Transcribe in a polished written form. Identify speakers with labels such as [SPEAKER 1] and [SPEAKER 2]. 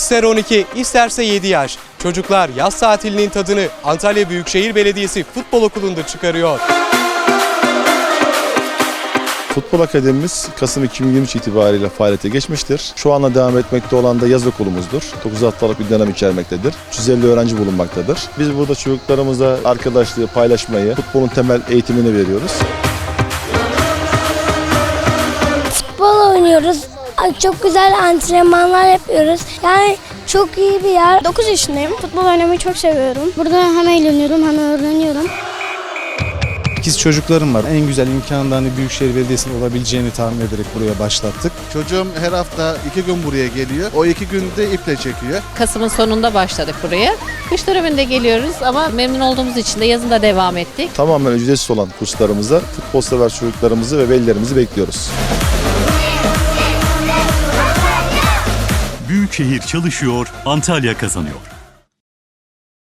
[SPEAKER 1] İster 12, isterse 7 yaş. Çocuklar yaz tatilinin tadını Antalya Büyükşehir Belediyesi Futbol Okulu'nda çıkarıyor.
[SPEAKER 2] Futbol Akademimiz Kasım 2023 itibariyle faaliyete geçmiştir. Şu anda devam etmekte olan da yaz okulumuzdur. 9 haftalık bir dönem içermektedir. 350 öğrenci bulunmaktadır. Biz burada çocuklarımıza arkadaşlığı, paylaşmayı, futbolun temel eğitimini veriyoruz.
[SPEAKER 3] Futbol oynuyoruz. Çok güzel antrenmanlar yapıyoruz. Yani çok iyi bir yer.
[SPEAKER 4] 9 yaşındayım. Futbol oynamayı çok seviyorum. Burada hem eğleniyorum hem öğreniyorum.
[SPEAKER 5] İkiz çocuklarım var. En güzel imkanında Büyükşehir Belediyesi'nin olabileceğini tahmin ederek buraya başlattık.
[SPEAKER 6] Çocuğum her hafta 2 gün buraya geliyor. O 2 günde iple çekiyor.
[SPEAKER 7] Kasım'ın sonunda başladık buraya. Kış döneminde geliyoruz ama memnun olduğumuz için de yazın da devam ettik.
[SPEAKER 2] Tamamen ücretsiz olan kurslarımıza futbol sever çocuklarımızı ve velilerimizi bekliyoruz.
[SPEAKER 8] Büyükşehir çalışıyor, Antalya kazanıyor.